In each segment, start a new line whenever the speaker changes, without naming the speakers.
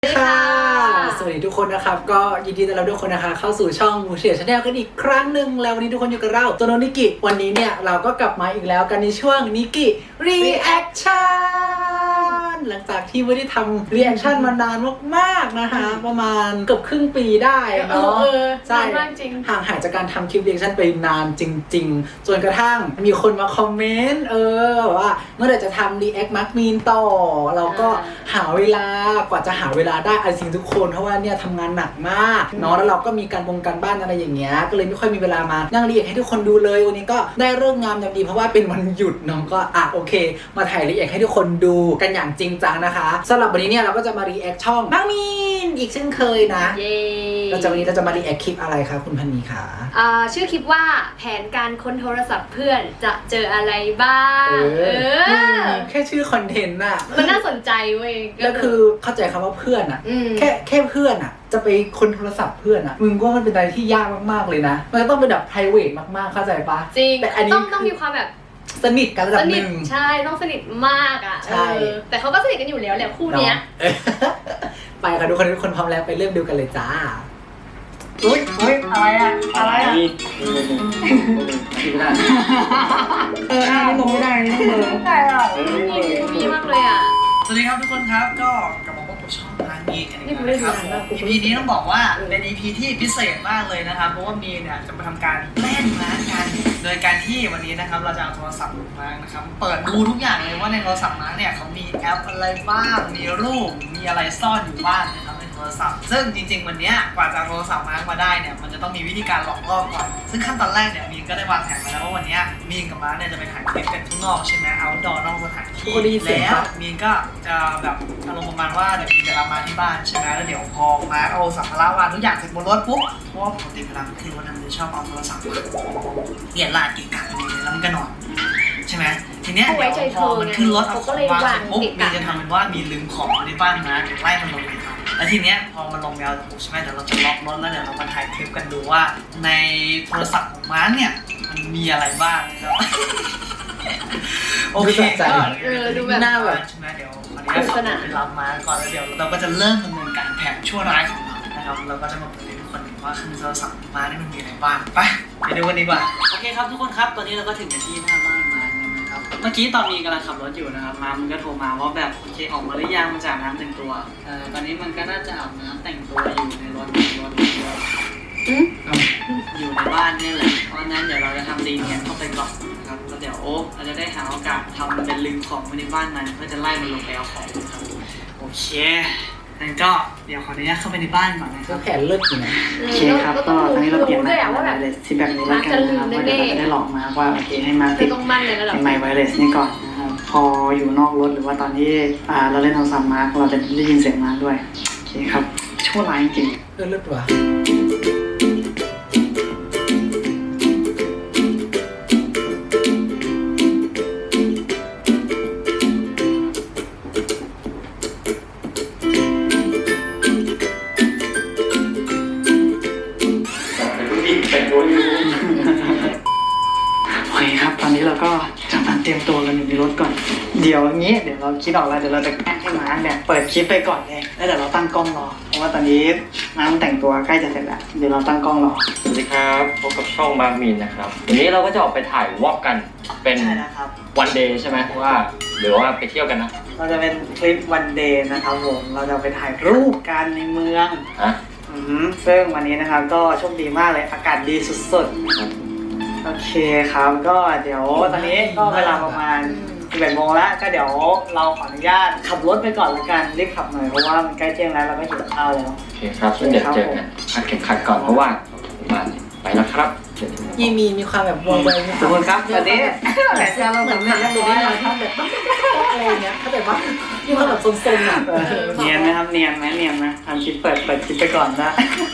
ค่ะสวัสดีทุกคนนะครับก็ยินดีต้อนรับทุกคนนะคะเข้าสู่ช่องมูเชียชาแนลกันอีกครั้งหนึ่งแล้ววันนี้ทุกคนอยู่กับเราตัวโนนิกิวันนี้เนี่ยเราก็กลับมาอีกแล้วกันในช่วงนิกิรีแอคชั่นหลังจากที่ไม่ได้ทำรีแอคชั่นมานานมากๆนะคะประมาณเกือบครึ่งปีได้เนาะใช่ห่างหายจากการทำคลิปรีแอคชั่นไปนานจริงๆจนกระทั่งมีคนมาคอมเมนต์ว่าเมื่อไหร่จะทำรีแอคมาร์คมีนต่อเราก็หาเวลากว่าจะหาเวลาได้จริงทุกคนเพราะว่าเนี่ยทำงานหนักมากเนาะแล้วเราก็มีการบ้านอะไรอย่างเงี้ยก็เลยไม่ค่อยมีเวลามานั่งรีแอคให้ทุกคนดูเลยวันนี้ก็ได้เรื่องงามยามดีเพราะว่าเป็นวันหยุดน้องก็โอเคมาถ่ายรีแอคให้ทุกคนดูกันอย่างจริงจังนะคะสำหรับวันนี้เนี่ยเราก็จะมารีแอคช่องมาร์คมีนอีกเช่นเคยนะวันนี้เราจะมารีแอคคลิปอะไรคะคุณพันนีคะ
ชื่อคลิปว่าแผนการค้นโทรศัพท์เพื่อนจะเจออะไรบ้าง
แค่ชื่อคอนเทนต์น่ะ
มันน่าสนใจเว้ย
แล้วคือเข้าใจคำว่าเพื่อนอ่ะแค่เพื่อนอ่ะจะไปค้นโทรศัพท์เพื่อนอ่ะมึงว่ามันเป็นอะไรที่ยากมากๆเลยนะมันจะต้องเป็นแบบ private มากๆเข้าใจปะ
จริงแต่อันนี้ต้องมีความแบบ
สนิทกันระดับหนึ่ง
ใช่ต้องสนิทมากอ่ะใช่แต่เขาก็สนิทกันอยู่แล้วแหละคู่เนี้ย
ไปค่ะทุกคนพร้อมแล้วไปเริ่มดูกันเลยจ้าอุ้ยอะไรนี่ลงไม่ได้นี่ต้องเบอร์
ได้อ่ะมีมากเลยอ่ะ
สวัสดีครับทุกคนครับก็กลับมาพบกับช่องมาร์คมีนกันอีกแล้วนะครับ EP นี้ต้องบอกว่าเป็น EP ที่พิเศษมากเลยนะครับเพราะว่ามีเนี่ยจะมาทำการเล่นมาร์คกันโดยการที่วันนี้นะครับเราจะเอาโทรศัพท์มาร์คนะครับเปิดดูทุกอย่างเลยว่าในโทรศัพท์มาร์คเนี่ยเขามีแอปอะไรบ้างมีรูปมีอะไรซ่อนอยู่บ้างนะครับในโทรศัพท์ซึ่งจริงๆวันนี้กว่าจะโทรศัพท์มาร์คมาได้เนี่ยมันจะต้องมีวิธีการหลอกล่อก่อนซึ่งขั้นตอนแรกเนี่ยมีนก็ได้วางแผนมาแล้วว่าวันนี้มีนกับมาร์คเนี่ยจะไปถ่ายคลิปกันข้างนอกใช่ไหมเอาท์ดอร์นอกสถานที่แล้วมีนก็จะแบบอารมณ์ประมาณว่าเดี๋ยวมีนจะรับมาที่บ้านใช่ไหมแล้วเดี๋ยวพอมาเอาสัมภาระวางทุกอย่างเสร็จบนรถปุ๊บเพราะว่าปกติเวลาคือวันนั้นจะชอบเอาโทรศัพท์เปลี่ยนลาดกินกันแล้วมันก็นอนใช่ไหมทีเนี้ยพอมันขึ้นรถเอาของวางเสร็จปุ๊บมีนจะทำเป็นว่ามีลืมของในบ้านนะเดี๋ยวไล่มันลงไปครับแล้วทีเนี้ยพอมันลงแมวถูกใช่ไหมเดี๋ยวเราจะล็อกรถแล้วเดี๋ยวเรามาถ่ายคลิปกันดูว่าในโทรศัพท์ของม้าเนี่ยมันมีอะไรบ้างนะครับโอเคก็ดูแบบหน้าแบบใช่ไหมเดี๋ยววันนี้ขอไปรับมาก่อนแล้วเดี๋ยวเราก็จะเริ่มดำเนินการแผนชั่วร้ายของเรานะครับเราก็จะมาเปิดให้ทุกคนเห็นว่าคือโทรศัพท์มานี่มันมีอะไรบ้างไปดูกันดีกว่าโอเคครับทุกคนครับตอนนี้เราก็ถึงกันที่หน้าบ้านมานะครับเมื่อกี้ตอนมีกำลังขับรถอยู่นะครับมันก็โทรมาว่าแบบโอเคออกมาหรือยังจากน้ำแต่งตัวตอนนี้มันก็น่าจะอาบน้ำแต่งตัวอยู่ในรถอยู่ในบ้านนี่แหละเพราะนั้นเดี๋ยวเราจะทำรีเนียนเข้าไปก่อนนะครับแล้วเดี๋ยวเราจะได้หาโอกาสทำมันเป็นลืมของไว้ในบ้านมันเพื่อจะไล่มันลงไปเอาของครับโอเคงั้นก็เดี๋ยวขออนุญาตเข้าไปในบ้านก่อนนะครับแผนเลิศอยู่นะโอเคครับก็ตอนนี้เราเปลี่ยนไมค์ไวเลสที่แบบนี้แล้วกันนะครับเดี๋ยวเราจะได้หลอกมาว่าโอเคให้มาติดไมค์ไวเลสนี่ก่อนนะครับพออยู่นอกรถหรือว่าตอนที่เราเล่นโทรศัพท์มาเราจะได้ยินเสียงมาด้วยโอเคครับชั่วร้ายจริงเลิศว่ะตอนนี้เราก็จะมาเตรียมตัวกันอยู่ในรถก่อนเดี๋ยวเราคิดออกแล้วเดี๋ยวเราจะให้มาร์คเนี่ยเปิดคลิปไปก่อนเลยแล้วเดี๋ยวเราตั้งกล้องรอเพราะว่าตอนนี้มาร์คแต่งตัวใกล้จะเสร็จแล้วเดี๋ยวเราตั้งกล้องรอ
สวัสดีครับพบกับช่องมาร์คมีนนะครับวันนี้เราก็จะออกไปถ่ายวอล์กกันเป็นวันเดย์ใช่ไหมว่าหรือว่าไปเที่ยวกันนะ
เราจะเป็นคลิปวันเดย์นะครับผมเราจะไปถ่ายรูปกันในเมืองซึ่งวันนี้นะครับก็โชคดีมากเลยอากาศดีสุดๆโอเคครับก็เดี๋ยวตอนนี้ก็เวลาประมาณ11 โมงแล้วก็เดี๋ยวเราขออนุญาตขับรถไปก่อนละกันรีบขับหน่อยเพราะว่ามันใกล้เที่ยงแล้วเราก็หิวข้าวแล้ว
โอเคครับเดี๋ยวเจอกันคัดเข็มขัดก่อนเพราะว่าไปแล้วครับ
มีความแบบวงเวงทุกคนครับตอนนี้แต่เราเหมือนนั่งดูได้เลยที่แบบอะไรเงี้ยเขาแบบว่ามีความแบบซนๆอ่ะเนียนไหมครับเนียนไหมทำคลิปเปิดคลิปไปก่อนนะ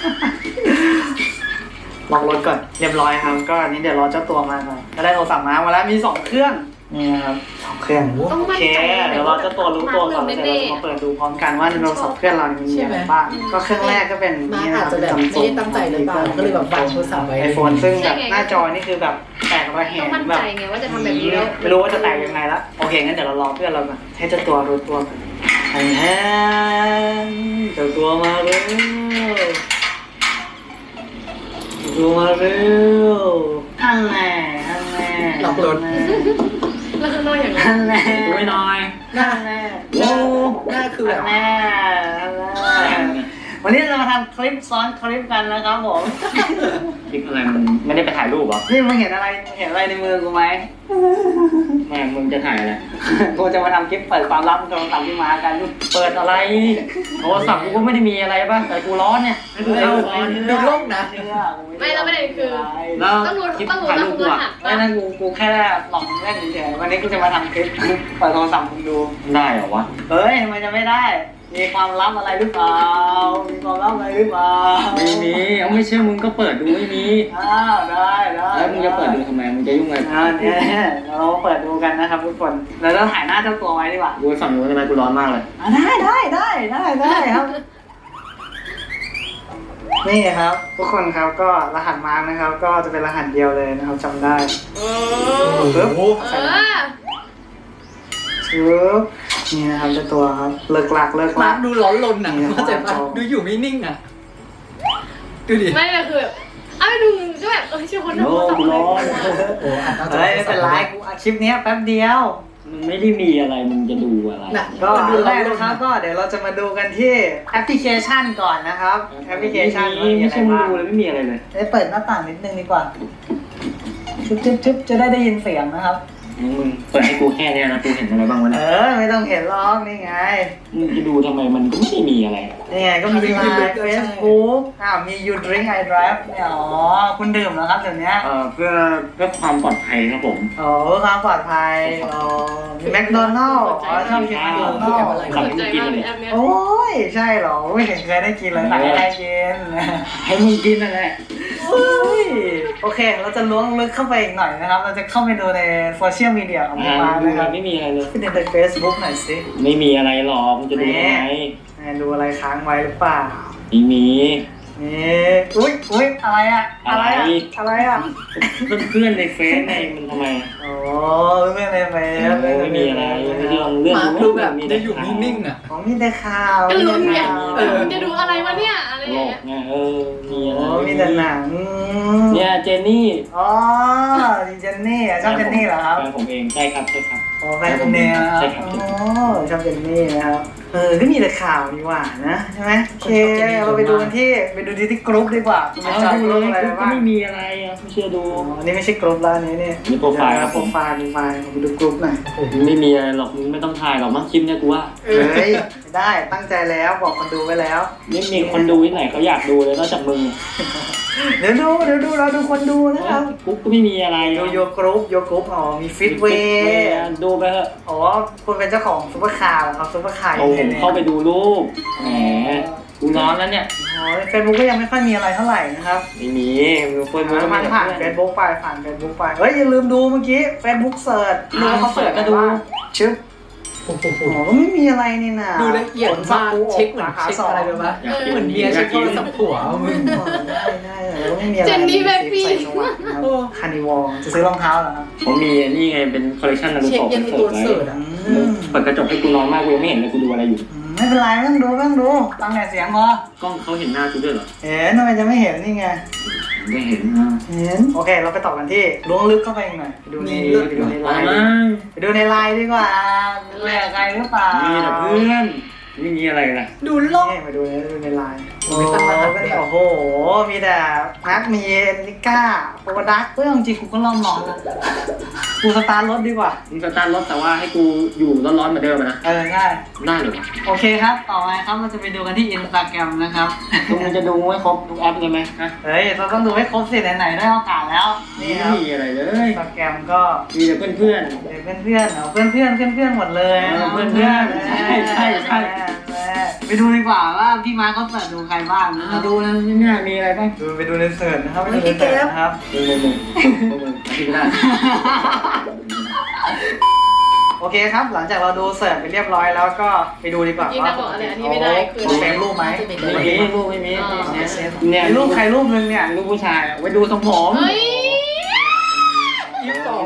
ลองรถก่อนเรียบร้อยครับก็อันนี้เดี๋ยวรอเจ้าตัวมาก่อนก็ได้โทรศัพท์มาแล้วมี2 เครื่องนี่นะครับ2 เครื่องโอเคเดี๋ยวรอเจ้าตัวรู้ตัวก่อนเดี๋ยวเรามาเปิดดูพร้อมกันว่าในโทรศัพท์เครื่องเรามีอะไรบ้างก็เครื่องแรกก็เป็นนี่นะครับจะแบบไม่ได้ตั้งใจเลยก็เลยแบบวางโทรศัพท์ไว้ไอโฟนซึ่งแบบหน้าจอนี่คือแบบแตกระแหง
แบบ
ไม่รู้ว่าจะแตกยังไงละโอเคงั้นเดี๋ยวเรารอเพื่อนเราก่อนให้เจ้าตัวรู้ตัวก่อนแทนเจ้าตัวมาเร็วตัวมาเร็วท่านแน่ท่านแน่
หลอกหลอน
แล้วข้างนอกอย่างไร
ท่านแน่
ดูให้หน่อย
ท่านแน่
โอ้หน้าคือแบบ
แน่วันนี้เรามาทำคลิปซ้อนคลิปกันนะครับผม
คลิปอะไรมันไม่ได้ไปถ่ายรูปเหรอ
นี่มึงเห็นอะไรในมือกูไหม
แม่มึงจะถ่ายอะไร
กูจะมาทำคลิปเปิดความลับโทรศัพท์ที่มากัน
เปิดอะไรโทรศัพท์กูก็ไม่ได้มีอะไรป่ะแต่กูร้อนเนี่ยให้กูเข้าร้อน
ดูโลกนะ
ไม่แล้วประเด็นคือ
แล้ว
ต้องรู้
คลิป
ต้องรู้
ถ่าย
ร
รูปกู
หั
อะ
ส
ไม่นั่นกูแค่หลอกเล่นเฉยๆวันนี้กูจะมาทำคลิปเปิดโทรศัพท์มึงดู
ได้เหรอวะ
เฮ้ยทำไมจะไม่ได้ มีความลับอะไรหรือเปล่า มีความลับอะไรหรือเปล่า
ไม่มีเอาไม่เชื่อมึงก็เปิดดูไม่มี
อ้าวได้
แล้วมึงจะเปิดดูทำไมมึงจะยุ่งอะไร
เนี่ยเราเปิดดูกันนะครับทุกคน เราต้องถ่ายหน้าเจ้าตัวไว้ดีกว่า
กูไปฝั่งนู้นทำไมกูร้อนมากเลย
ได้ครับ นี่ครับ ทุกคนครับก็รหัสมาร์กนะครับ ก็จะเป็นรหัสเดียวเลยนะครับจำได้ปึ๊บ
เออ
ปึ๊บนี่นะครับเจ้าตัวครับเลิกหลัก
มาร์คดูร้อนรนอ่ะเข้าใจปะดูอยู่ไม่นิ่งอ่ะดูดิ
ไม่เลยคือแบบเอาไปดูก็แบบชื่อคนทำโทรศัพท์อะไร
โอ้อ่ะ
เฮ้ยไม่เป็นไรกูอัดคลิปเนี้ยแป๊บเดียว
มึงไม่ได้มีอะไรมึงจะดูอะไร
น่ะ
ก็อันแรกนะครับก็เดี๋ยวเราจะมาดูกันที่แอปพลิเคชันก่อนนะครับแอปพลิเคชัน
ไม่ใช่มึงดูเลยไม่มีอะไรเลย
ได้เปิดหน้าต่างนิดนึงดีกว่าชึบจะได้ยินเสียงนะครับ
มึงเปิดให้กูแค่เนี้ยนะกูเห็นอะไรบ้างวะ
เอ
เนี่ย
อไม่ต้องเห็นหรอกนี่ไง
มึงจะดูทำไมมันก็ไม่ได้มีอะไร
นี่ไงก็มีไลน์เฟซบุ๊กมี You Drink I Drive เนี่ยอ๋อคุณดื่มเหรอครับเดี๋ยวนี้
เพื่อความปลอดภัยครับผม
อ๋อความปลอดภัยอ๋อมีแมคโดนัลล์อ๋อชอบกินแมคโดนัลล์
สนใจมากเลยแอปเนี้ย
โอ้ยใช่เหรอไม่เห็นเคยได้กินเลยไหนได้กิน
ให้มึงกินนั่นแหละ
โอเค เราจะล้วงลึกเข้าไปอีกหน่อยนะครับ เราจะเข้าไปดูในโซเชียลมีเดียของพี่มาร์ค
ดู
นะครับ
ไม่มีอะไรเลย
ไปดูในเฟซบุ๊กหน่อยสิ
ไม่มีอะไรหรอกมึงจะดูทำไม
ดูอะไรค้างไว้หรือเปล่า
ไม่มี
นี่อุ้ยอะไรอะอะไรอะ
เพื่อนในเฟซในมันทำไม
โอ้ไม่เป็นไรไป
ไม่มีอะไรไม่ได้ลองเลื่อน
มาร์ค
ดู
ดูแบบได้อยู่นิ่งๆอ่ะ
ของมีแต่ข่าว
ก็ลุ้นไง
เออ
มึงจะดูอะไรวะเนี่ยอะไร
โล
อย่าง
ก
เงี้ย
ไงมีอะไร
โอ้มีแต่หนัง
เนี่ยเจนนี่
อ๋อเจนนี่ชอบเจนนี่เหรอครับ
แฟนผมเองใช่ครับ
โอ้แฟนคุณเนี่ยนะครับ
ใช่ครับ
โอ้ชอบเจนนี่นะครับก็มีแต่ข่าวดีกว่านะใช่ไหมโอเคเราไปดูกันที่กรุ๊ปดีกว่าคุณ
เอา
จะ
ดู
ดู
เลย
อะไร
ก็
บ้าง
ไม่มีอะไรอ่ะไม่เชื่อดู
อันนี้ไม่ใช่กรุ๊ปแล้วอันนี้เนี่ย
มีโปรไฟล์ครับ
โปรไฟล์ผมไปดูกรุ๊ปหน่อย
ไม่มีอะไรหรอกมึงไม่ต้องถ่ายหรอกมั้งคลิปเนี่ยกูว่า
เฮ้ยไม่ได้ตั้งใจแล้วบอกคนดูไว้แล้ว
ไม่มีคนดูที่ไหนเขาอยากดูเลยนอกจากมึง
เดี๋ยวดูเราดูคนดูนะครับ
กูก็ไม่มีอะไร
ดูโยกรุ๊ปอ๋อมีฟิตเวย์
ดูไปเถอะ
อ๋อคุณเป็นเจ้าของซุปเปอร์คาร์เหรอครับซุปเปอร์คาร์
เอาผมเข้าไปดูรูปแหมกูร้อนแล้วเนี่ย
อ๋อเฟซบุ๊กก็ยังไม่ค่อยมีอะไรเท่าไหร่นะครับ
ไม่มีมึงเฟิร์นมึง
มันผ่านเฟซบุ๊กไปเฮ้ยอย่าลืมดูเมื่อกี้เฟซบุ๊กเสิร์ชดูว่าเขาเสิร์ชก็ดูชึบ
โอ้โห
อ๋อก็ไม่มีอะไรนี่นะ
ดูละเอียดมากเช็คเหมือนเช็คอะไรแบบว่าเหมือนเมียเช็คโทรศัพท์ผัวมึง
ได้แล้วไม่มีอะไร
เจนนี่แบ็คพี
ใส่สว่างนะครับคานิวอลจะซื้อรองเท้าเหรอครับ
ผมมีนี่ไงเป็นคอลเลคชันนารู
เช็ค
โตะ
ยันในตัวเสิร์ชอ่ะ
เปิดกระจกให้กูร้อนมากกูยังไม่เห็นเลยกูดูอะไรอยู่
ไม่เป็นไรไม่ต้องดูฟังแต่เสียงพอก
ล้องเขาเห็นหน้ากูด้วยเหรอ
เห็นทำไมจะไม่เห็นนี่ไง
ไม่เห็นนะ
เห็นโอเคเราไปต่อกันที่ล้วงลึกเข้าไปอีกหน่อยไปดูในไลน์ดีกว่าดูแลใครหรือเปล่า
มีแต่เพื่อนไม่มีอะไรนะ
ดูโลก
นี่มาดูในไลน์
โอ้ยตั้งรหัสด้วย
โอ้โหมีแต่นัดมีนิก้าโปรดักเฮ้ยจริงๆกูก็ลองนอนแล้วกูสตาร์ทรถดีกว่า
มึงสตาร์ทรถแต่ว่าให้กูอยู่ร้อนๆเหมือนเดิมนะ
ง่าย
ได้เหรอ
โอเคครับต่อไปครับเราจะไปดูกันที่ Instagram นะครับ
มึงจะดูให้ครบทุกแอปเลยไหมฮะ
เฮ้ยเราต้องดูให้ครบสิไหนๆได้โอกาสแล้วนี่
ไม่
ครับ
มีอะไรเลย
Instagram ก็
มีแต่เพื่อน
เพื่อนเพื่อนหมดเลย
เพื่อนใช่
ไปดูดีกว่าว่าพี่มาร์คเขาเปิดดูใครบ้างนะค
ๆ
รับ
ดูนะเนี่ยมีอะไรบ้าง
ไปดูในเสิร์ชนะครับไปดูในเสิร์ชนะครับ
มึงที่ก็ได้
โอเคครับหลังจากเราดูเสิร์ชไปเรียบร้อยแล้วก็ไปดูดีกว่า
ยิ่งนักบอกอะไรอันนี้ไม่ได้คือ
เซฟรูปไหม
ไม่มีรูปไม่มีเนี่ย
มีรูปใครรูปนึงเนี่ย
รูปผู้ชายไว้ดูทรงผม
เฮ้ย
ยี่สิบสอง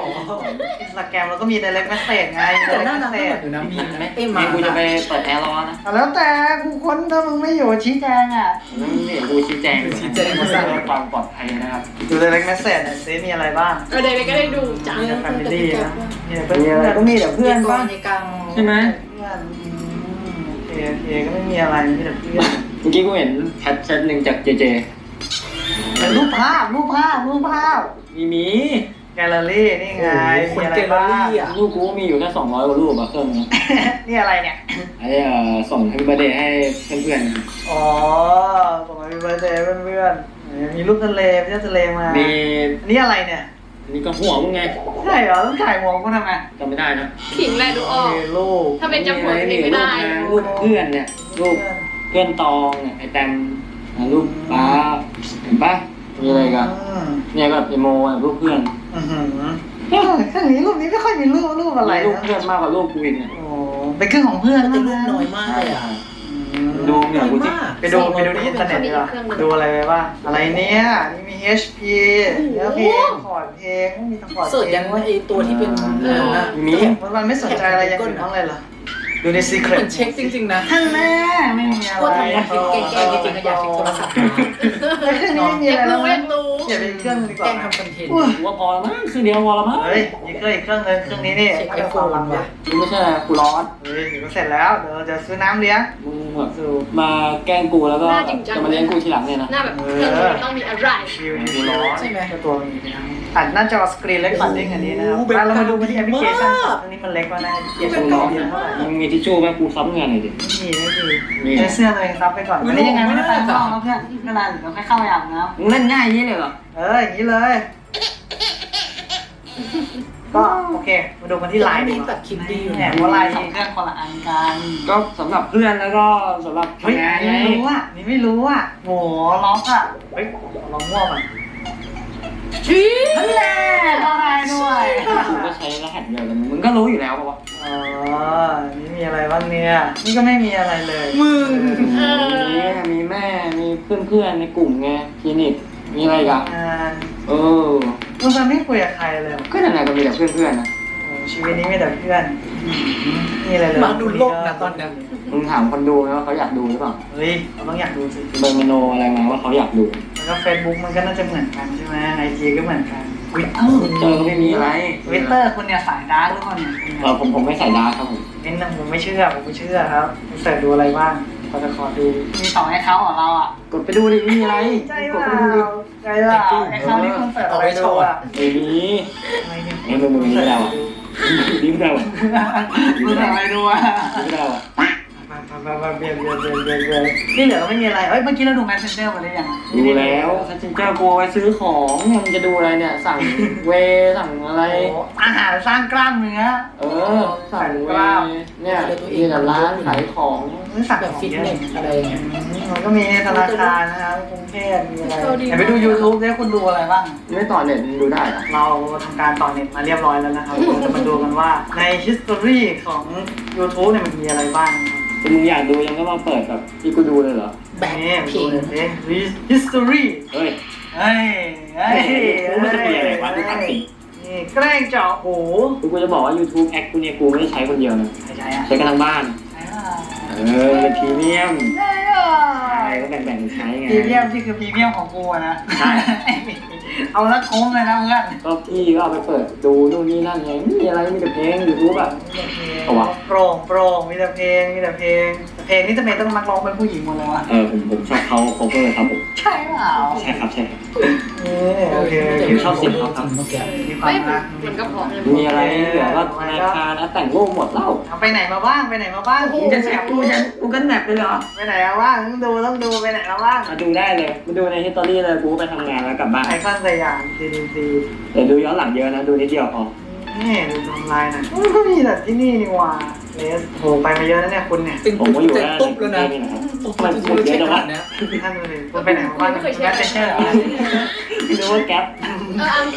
อินสตาแกรมเราก็มี direct message ไง
แต่
direct
น่ารัก
message
อยู่นะมีนไหม
นี่กูจะไปเปิดแอร์ร้อนนะ
แล้วแต่กูค้นถ้ามึงไม่อยู่ชี้แจงอ่ะ
แล้วนี่กูชี้แจงเพื่อความปลอดภัยนะครับ
ดู direct message หน่อยซิมีอะไรบ้าง
เดี๋ยวก็ได้ดูจ้ะ
มีแต่ family นะมีแต่เพื่อนก็มีแต่เพื่อนบ้าง
ในกลาง
ใช่ไหม
เพื่อนโอเคก็ไม่มีอะไรมีแต่เพื่อน
เมื่อกี้กูเห็นแชทหนึ่งจากเจเจ
แต่รูปภาพ
มี
แกลเลอรี่นี่ไง
ค
มี
น
อะไร
เจล
บ้าง
ลี่อ่ะ
รูปกูมีอยู่แค่200 กว่ารูปอะเครื่องนี้
นี่อะไรเนี่ย
ไอ้ส่งให้เบอร์เดย์ให้เพื่อน
อ๋อส่งมาเป็นเบอร์เดย์เพื่อนๆมีรูปทะเลไปเที่ยวทะเลมา
ๆมี
นี่อะไรเนี่ย
นี่ก็หัวมึงไง
ใช่เหรอต้องถ่ายหัวกูทำไม
จำไม่ได้นะ
ขิงแหละดูออก
มีรูป
ถ้าเป็นจำหัวเพลงไม่ได้
รูปเพื่อนเนี่ยรูปเพื่อนตองเนี่ยไอ้แตมรูปป้าเห็นปะมีอะไรกันเนี่ยก็อีโมรูปเพื่อน
ข้างนี้รูปนี้ไม่ค่อยมีรูปอะไร
รูปเพื่อนมากกว่ารูปกูอีกเนี่ย
โอ้เป็นเครื่องของเพื่อน
แต่
นะ
รูปน้อยมากเลยอ่ะ
ดูเนี่ยกูที่
ไปดูในอินเทอร์เน็ตดีกว่าดูอะไรไปบ้างอะไรเนี่ยนี่มี HP เนื้อเพลงคอร์ดเพลงมีทั้งคอร์ด
เสิร์ช
เพล
ยัง งไอตัวที่เป็นนะ
มี
มันไม่สนใจอะไรอย่างอื่นบ้างเลยเหรอดูในซีเคร
เห
ต
มือนเช็คจริงๆนะ
ข้างหน้าไม่มีอะไร
ก็ทำงานผิดแกล้งๆจริงๆก็อยากเช็คโทรศัพท์
เครื่องนี้ไม่มี
อ
อะ
ยาก
ไร
รู้
แล้ว
อยากรู้
เก็บเป็นเครื่องดีก
แกล้
ว่าง
ทำคอนเทนต์
กูว่าพอแล้วมั้งคือเดียวพอแล้วมั้ง
เฮ้ยอีกเครื่องนึงเครื่องนี้นี่
เช็คไอโฟนว่ะ
กูไม่ใช่กูร้อน
เฮ้ยเดี๋ยวก็เสร็จแล้วเดี๋ยวเราจะซื้อน้ำเลี้ยง
มึงแบบมาแกล้งกูแล้วก็จะมาเลี้ยงกูทีหลังเนี่ยนะ
หน้าแบบเครื่องนี้ต้องมีอะไร
ชิวนี่ร้อนตัวนี้อัดหน้าจอสกรีนเล็กกว่าดิ้งอันนี้นะครับเรามาดูที่แอปพลิเคชันอันนี้มันเล็กกว่านะแอปพลิเคชันร้อนเยอะเท่าไหร่
มึงมีทิชชู่ไหมกูซับเงินหน่อยดิ
ไม่มีใช้เสื้อตัวเองซับไปก่อนวันนี้ยังไงไม่ได้ไปข้างนอกนะเพื่อนก็นานเดี๋ยวค่อยเข้าไปอาบน้
มึงเล่นง่ายอย่างนี้เลยเหรอ
อย่างนี้เลย ก็โอเคมาดูกันที่ไลน์ดี
มี
ก
ตั
ว่า
ดคลิปดีอยู่
เนี่ยเพราะไลน์สองเครื่องคนละอันกัน
ก็สำหรับเพื่อนแล้วก็สำหรับ
เฮ้ย
ทำงาน
นี่
ไง
ไม่รู้อ่ะนี่ไม่รู้อ่ะโหล็อกอ่ะเฮ้ยลองมั่วก่อนนั่นแหละอะไรด้วย
กูก็ใช้รหัสเดียวกันมึงก็รู้อยู่แล้วป่ะวะ
อ๋อนี่มีอะไรบ้างเนี่ยนี่ก็ไม่มีอะไรเลย
มึง
มีแม่มีเพื่อนๆในกลุ่มไงคลินิกมีอะไรกัน
งาน
มึง
จะไม่คุยกับใครเลย
ก็นั่นแหละก็มีแต่เพื่อนๆนะ
โอ้ชีวิตนี้มีแต่เพื่อนนี่อะไรเลย
มาดูโลกนะตอนนี้
มึงถามคนดูไหมว่าเขาอยากดูหรือเปล่า
เฮ้ยเราต้องอยากดูสิ
เบอร์มโนอะไรมาว่าเขาอยากดู
แล้วก็เฟซบุ๊กมันก็น่าจะเหมือนกันใช่ไหมไอจีก็เหมือนกันวิตเตอ
เจอก็ไม่มีอะไร
คุณเนี่ยสายดาร์กหรือเปล่าเนี่ย
ผมไม่ใส่ดาร์กครับผม
เป็นนะผมไม่เชื่อครับเสิร์ชดูอะไรบ้างพอจะขอดูมี2ไอเขาของเราอ่ะ
กดไปดูดิไม่มีอะไร
ใจ
กด
เป
ไป
ล่า
ดูดิ
ใจเปล่าไอเขาที่คุณเสิร์ชอะไรดูอ่ะ
ไม่มี
อะไรเนี่ย
ไอ้มึงไม่ได้วะดิ้มได้วะ
คุณเสิร์ชอะไรดูอ่ะ
ดิ้มได้วะ
มาเบียนนี่เหลือไม่มีอะไรเอ้ยเมื่อกี้เราดู Messenger มาได้ยัง
ดูแล้วซันจินเจ้ากูไว้ซื้อของเนี่ยมึงจะดูอะไรเนี่ยสั่งเวสั่งอะไร
อาหารสร้างกล้ามเนื้อ
สั่งเวเนี่ยมีแต่ร้านขายของ
นี่สั่ง
แบบฟิตเนสอะไรอย่างเงี้ย
มันก็มีธนาคารนะครับกรุงเทพมีอะไรไปดู YouTube ได้คุณดูอะไรบ้าง
ไม่ต่อเน็ตดูได้เหรอ
เราทำการต่อเน็ตมาเรียบร้อยแล้วนะครับเราจะมาดูกันว่าใน history ของ YouTube เนี่ยมันมีอะไรบ้างนะครับ
มึงอยากดูยังก็มาเปิดแบบที่กูดูเลยเหรอ
แบบ
นี่
เพล
ดู
ง
หน่อยสิ history
เฮ้ย
เฮ้ย
กูไม่จะเปลี่ยนอะไรวะดูตัดสิ
นี่แกล้งเจาะหู
กูจะบอกว่า YouTube แอคกูเนี่ยกูไม่ได้ใช้คนเดียวนะ
ใช่อะ
ใช้กันทั้งบ้าน
ใช่อะ
เป็นพรีเมียม
ใช่อะ
ใช่ก็แบ่งๆใช้ไง
พรีเมียมที่คือพรีเมียมของกูอะนะ
ใช่
เอาละคุ้มเลยนะเพื่อน
ก็พี่ก็เอาไปเปิดดูนู่นนี่นั่นไงไม่มีอะไรมีแต่เพลง YouTube อ่ะ เอาวะ
โปร่งมีแต่เพลงนี่จะเป็นต้องนักร้องเป็นผู้หญิงหมดเลยวะ
ผมชอบเขา cover ครับผม
ใช่เปล่า
ใช่ครับใช่ครับ
โอเค
ผมชอบเสียงเขาครับ
เมื่อกี้
มีควา
ไม่
มรัก
มันก็พอ
มีอะไรเหลือก็ธนาคารนะแต่งรูปหมดเล่า
เอาไปไหนมาบ้าง
มึงจะแสบกูกันแบบเลยเหรอ
ไปไหนมาบ้างต้องดูไปไหนมาบ้าง
มาดูได้เลยมาดูในฮิสตอรี่เลยกูไปทำงานแล้วกลับบ้าน
ไอคอนสยาม CDC
เดี๋ยวดูย้อนหลังเยอะนะดูนิดเดียวพอ
นี่ดูทำลายนะก็มีแต่ที่นี่นี่ว่าเลสโหไปมาเยอะนะเนี่ยคุณเนี่ย
เป็น
ผมก็อยู่
เจ็บ
ได้
ตุ๊บแล้วนะ
นี่นะครับ
ตุ๊บมันคือเช็คขนาดเนี้ย
ท่านเลยคุณไปไหนมาบ้างคุณแม่เซนเชอร์เหรอ
ไม่รู้ว่าแก๊ป
เอา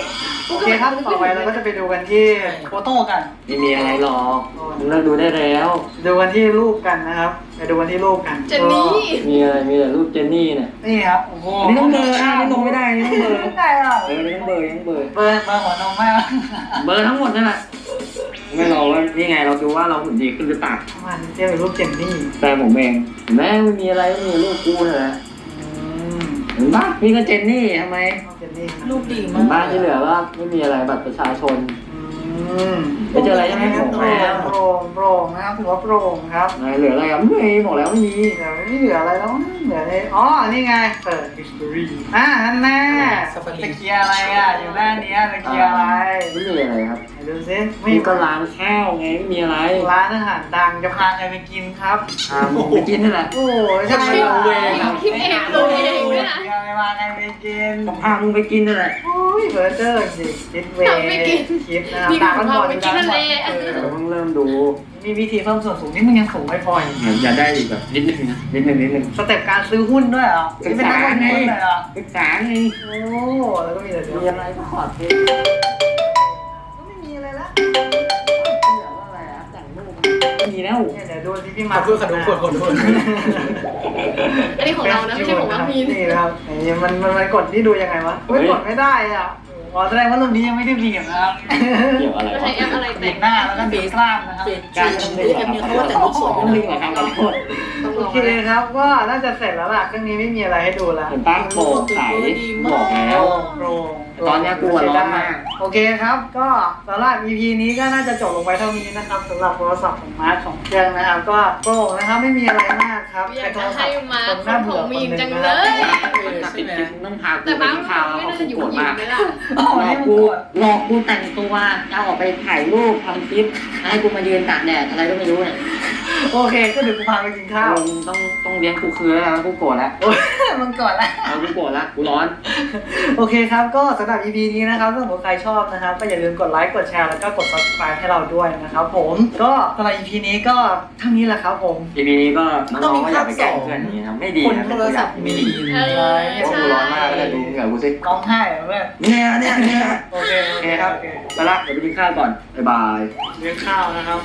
โอเคครับต่อไปเราก็จะไปดูกันที่โฟโต้กัน
ไม่มีอะไรหรอกมึงเลิกดูได้แล้ว
ดูกันที่รูปกันนะครับไปดูกันที่รูปกัน
เจนนี่
มีอะไรมีแต่รูปเจนนี่เนี่ย
นี่ครับโอ้โห
อันนี้ต้องเบลอนะอันนี้ลงไม่ได้อันนี้ต้องเบลอ
ไม่ได้อ่ะ
อันนี้ต้องเบลอยังเบลอ
เบอร์หัวนมมาก
เบลอทั้งหมดนั่นแหละไม่รอว่านี่ไงเราดูว่าเราหุ่นดีขึ้นหรือเปล่า
มันเทียบเป็นรูปเจนนี่
แต่ผมเองเห็นไหมไม่มีอะไรไม่มีรูปกูเลยนะเห็นปะนี่ก็เจนนี่ทำไม
เจนนี่
รูปดี
เห็
มาน ก
ปะที่เหลือว่าไม่มีอะไรบัตรประชาชน
อืม
ไม่เจออะไรใช่ไหมผม
โป
แล้ว
ร่งนะครับถือว่าโปร่งครับ
เหลืออะไรอ่ะไม่มีบอกแล้วไม่มี
เดี๋ยวไม่เหลืออะไรแล้วเหลืออะไรอ๋อนี่ไงเปิด history นั่นแน่ตะเกียร์อะไรอ่ะอยู่หน้านี้ตะเกียร์อะไร
ไม่มีอะไรครับ
ไหนดูซิไม่
มีก็ร้านข้าวไงไม่มีอะไร
ร้านอาหารดังจะพาใครไปกินครับ
ไปกินนี่แหละ
โอ้ยใช่
คิดเองดูเองด้วยนะ
ไปมาใครไปกิน
ก็พามึงไปกินนี่แหละ
โอ้ยเบอร์เจอร์จริงคิดเวคิดนะครับ
นี่
ตา
ข
มั
อน ง
บ
เรา
อด
ไปกินทะเล
เราเพิ่งเริ่มดู
มีวิธีเพิ่มส่วนสูงนี่มึงยังสูงไม่พออีก
อย่าได้อีกแบบนิดนึงนะนิดนึง
สเต็ปการซื้อหุ้นด้วยเหรอนี่เป็นนักลงทุนเลยเหรอ
ศึกษาไง
โอ้แล้วก็มีแต่เดี๋ยว
มีอะไรก็ขอเท
ก็ไม่มีอะไรละ
มีแล้ว
เนี่ยเดี๋ยวดูที่พี่
ข
มา
อโทษขอโทษขอโทษ
อันนี้ของเรานะไม่ใช่ของน้องมีน
นี่นะครับนี่มันกดที่ดูยังไงวะไม่กดไม่ได้อ่ะอ๋อแสดงว่ารูปนี้ยังไม่ได้บีบนะครับ
เกี่ยวอะไร
ไม่
วะ
ใช่แอปอะไร
บี
แต่
บหน้าแล้วก็บีบกล้ามนะครับ
การทำเด็กครับเขาว่าแต่ลูกสวยต้องดึงเหรอครับขอโทษ
โอเคครับก็น่าจะเสร็จแล้วล่ะเครื่องนี้ไม่มีอะไรให้ดูแล้ว
เห็นป้าโปร่งใสบอกแล้ว
โปร่ง
ตอนนี้กลัวร้อนมาก
โอเคครับก็สำหรับ EP นี้ก็น่าจะจบลงไปเท่านี้นะครับสำหรับโทรศัพท์ของมาร์คของเครื่องนะครับ ก็โปร่งนะครับไม่มีอะไรมากครับ
อยากจะให้มาคนของมีนจังเลย
ติดกิ๊บต้องพากู
แต่
ไป
บ้าน
กินข้าว
ไม่
แล้ว
น่า
เขา
จะอยู่
โกรธ
หญิ
มาง ก
ไหมล่ะ
อ๋อ
หลอ
นี่
ก
มัน
กู
กด
หลอกกูแต่งตัวจะออกไปถ่ายรูปทำคลิปให้กูมายืนตากแดดอะไรก็ไม่รู้เนี่ย
โอเคก็เดี๋ยวกูพาไปกินข้าว
มึงต้องเลี้ยงกูคืนแล้วกูโกรธแล้ว
โอ้ยมึงก่อนละ
เอากูโกรธแล้วกูร้อน
โอเคครับก็สำหรับ EP นี้นะครับถ้าสมมติใครชอบนะครับก็อย่าลืมกดไลค์กดแชร์แล้วก็กด subscribe ให้เราด้วยนะครับผมก็สำหรับ EP นี้ก็เท่านี้แหละครับผม
ทีนี้ก็น้องๆก็อย่าไปแกล้งเพื่อนนี้นะไม่ดี
คน
นะ
โทรศัพท์มี
เออ
พวก
ใช่
กูร้อนมากก็เลยดูเหงื่อกูสิ
ร้องไห้เหรอเพื่อน
เนี่ย
โอเค
โอเคครับไปละเดี๋ยวไปกินข้าวก่อนบ๊ายบาย
เลี้ยงข้าวนะครับ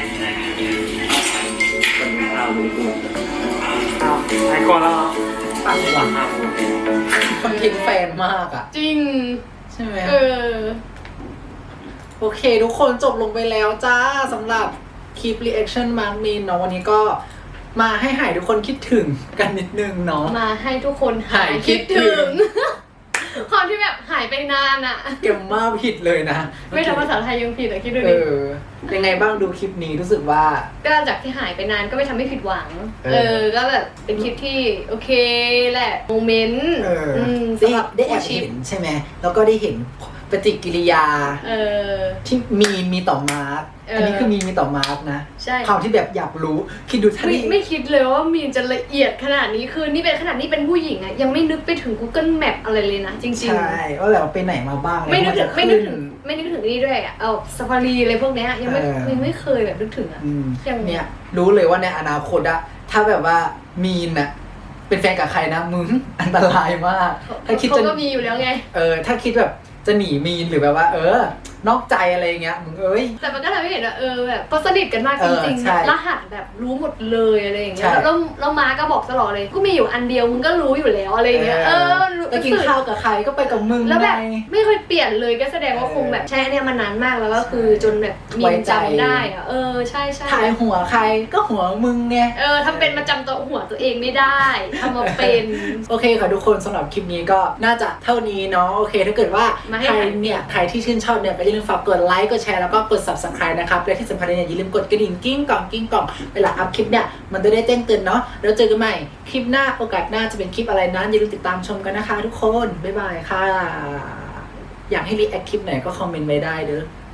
ไปกินข้าวดูกู
อ้าวไหนก่อนแล้วเหรอ
ปังหวัง
ข้าวกู
คอนเทนต์แฟนมากอ่ะ
จริง
ใช่ไหม
เออ
โอเคทุกคนจบลงไปแล้วจ้าสำหรับคลิป reaction มาร์กมีนเนาะวันนี้ก็มาให้หายทุกคนคิดถึงกันนิดนึงเนาะ
มาให้ทุกคนหายคิดถึง ความที่แบบหายไปนานอะ
เก็บมาผิดเลยนะ
ไม่ทำภาษาไทยยังผิดอะคิดดู
เอ
ดิ
อยังไงบ้างดูคลิปนี้รู้สึกว่า
ก็จากที่หายไปนานก็ไม่ทำให้ผิดหวัง
เออ
ก็แบบเป็นคลิปที่โอเคแหละโมเมนต์
ได้
สำหรับ
ได้แอบ
ชิป
เห็นใช่ไหมแล้วก็ได้เห็นปฏิกิริยา
เออ
ที่มีต่อมาร์ก
เอออั
อันนี้คือมีต่อมาร์กนะ
ใช่
ความที่แบบอยากรู้คิดดูถ้า
ไม่คิดเลยว่ามีนจะละเอียดขนาดนี้คือนี่เป็นขนาดนี้เป็นผู้หญิงอะยังไม่นึกไปถึง Google Map อะไรเลยนะ จริง
ใช่ว่าแบบไปไหนมาบ้างอะไร
ไม่นึกถึง
ว่าจะ
ไม่นึก
ขึ้
ถึงไม่นึกถึงนี่ด้วยอะเอาซาฟารีอะไรพวกเนี้ยยังไม่เคยแบบนึกถึงอะ
อืม
อย่าง
เนี่ยรู้เลยว่าในอนาคตอะถ้าแบบว่ามีนอะเป็นแฟนกับใครนะมึงอันตรายมาก ถ้าคิด
เขา
จะ
ก็มีอยู่แล้วไง
ถ้าคิดแบบจะหนีมีนหรือแบบว่านอกใจอะไรเงี้ยมึง
แต่มันก็ทำให้เห็นว่าแบบเขาสนิทกันมากจริง
ใช่
ๆรหัสแบบรู้หมดเลยอะไรอย่างเงี้ย
ใช่
แล้วมาก็บอกตลอดเลยก็มีอยู่อันเดียวมึงก็รู้อยู่แล้วอะไรอย่างเงี้ย
ไปกินข้าวกับใครก็ไปกับมึง
แล้วแบบ
ไง
ไม่เคยเปลี่ยนเลยก็แสดงว่าคงแบบใช้อันเนี้ยมานานมากแล้วก็คือจนแบบมี
ไว้ใจ
จำได้อะใช่ใช่
ถ่ายหัวใครก็หัวมึงไง
ทำเป็นมาจำตัวหัวตัวเองไม่ได้ทำมาเป็น
โอเคค่ะทุกคนสำหรับคลิปนี้ก็น่าจะเท่านี้เนาะโอเคถ้าเกิดว่า
มาให้
ใครที่ชื่นชอบเนี่ยก็อย่าลืมฝากกดไลค์กดแชร์แล้วก็กด subscribe นะครับและที่สำคัญเนี่ยอย่าลืมกดกระดิ่งกิ้งกล่องเวลาอัพคลิปเนี่ยมันจะได้แจ้งเตือนเนาะแล้วเจอกันใหม่คลิปหน้าโอกาสหน้าจะเป็นคลิปอะไรนั้นอย่าลืมติดตามชมกันนะคะทุกคนบ๊ายบายค่ะอยากให้รีแอคคลิปไหนก็คอมเมนต์ไว้ได้เด้อ